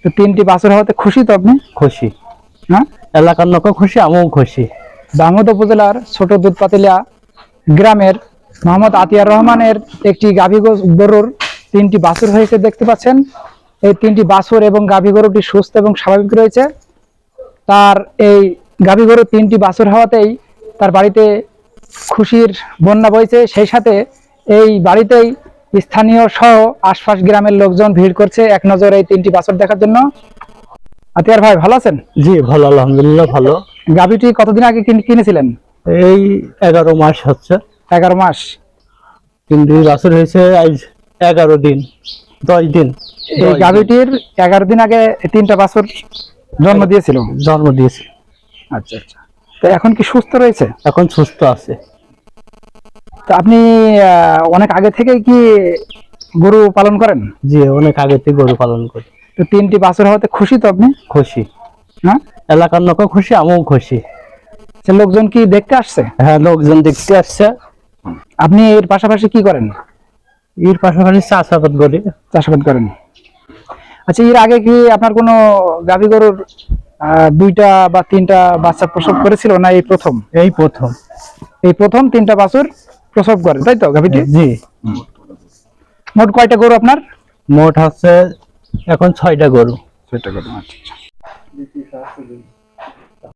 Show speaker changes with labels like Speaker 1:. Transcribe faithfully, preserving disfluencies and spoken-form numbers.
Speaker 1: তো তিনটি বাছুর হওয়াতে খুশি তো আপনি?
Speaker 2: খুশি,
Speaker 1: হ্যাঁ,
Speaker 2: এলাকার লোকও খুশি, আমিও খুশি।
Speaker 1: দামোদ উপজেলার ছোট দুধপাতিলিয়া গ্রামের মোহাম্মদ আতিয়ার রহমানের একটি গাভী গরুর তিনটি বাছুর হয়েছে দেখতে পাচ্ছেন। এই তিনটি বাছুর এবং গাভী গরুটি সুস্থ এবং স্বাভাবিক রয়েছে। তার এই গাভী গরুর তিনটি বাছুর হওয়াতেই তার বাড়িতে খুশির বন্যা বইছে। সেই সাথে এই বাড়িতেই স্থানীয় সহ আশপাশ গ্রামের লোকজন ভিড় করছে এক নজর এই তিনটি বাছুর দেখার জন্য। আতিয়ার ভাই ভালো আছেন?
Speaker 2: জি ভালো, আলহামদুলিল্লাহ ভালো।
Speaker 1: গাভীটি কতদিন আগে কিনেছিলেন?
Speaker 2: এই এগারো মাস হচ্ছে।
Speaker 1: এগারো মাস।
Speaker 2: কিন্তু বাছুর হয়েছে আজ এগারো দিন, দশ দিন।
Speaker 1: এই গাভীটির এগারো দিন আগে তিনটা বাছুর জন্ম দিয়েছিল।
Speaker 2: জন্ম দিয়েছে।
Speaker 1: আচ্ছা আচ্ছা। তো এখন কি সুস্থ রয়েছে?
Speaker 2: এখন সুস্থ আছে।
Speaker 1: তো আপনি অনেক আগে থেকে কি গরু পালন করেন?
Speaker 2: জি অনেক আগে থেকে গরু পালন করি।
Speaker 1: তো তিনটি বাছুর হওয়াতে খুশি তো আপনি?
Speaker 2: খুশি,
Speaker 1: হ্যাঁ,
Speaker 2: এলাকার লোকও খুশি, আমিও খুশি।
Speaker 1: লোকজন কি দেখতে আসছে?
Speaker 2: হ্যাঁ লোকজন দেখতে আসছে।
Speaker 1: আপনি এর পাশাপাশি কি করেন?
Speaker 2: এর পাশাপাশি চাষাবাদ করি।
Speaker 1: চাষাবাদ করেন। আচ্ছা, এর আগে কি আপনার কোনো গাভী গরুর আহ দুইটা বা তিনটা বাচ্চা প্রসব করেছিল না এই প্রথম?
Speaker 2: এই প্রথম।
Speaker 1: এই প্রথম তিনটা বাছুর প্রসব করে, তাই তো গাভীটি?
Speaker 2: জি।
Speaker 1: মোট কয়টা গরু আপনার?
Speaker 2: মোট হচ্ছে এখন ছয়টা গরু।
Speaker 1: ছয়টা গরু। আচ্ছা।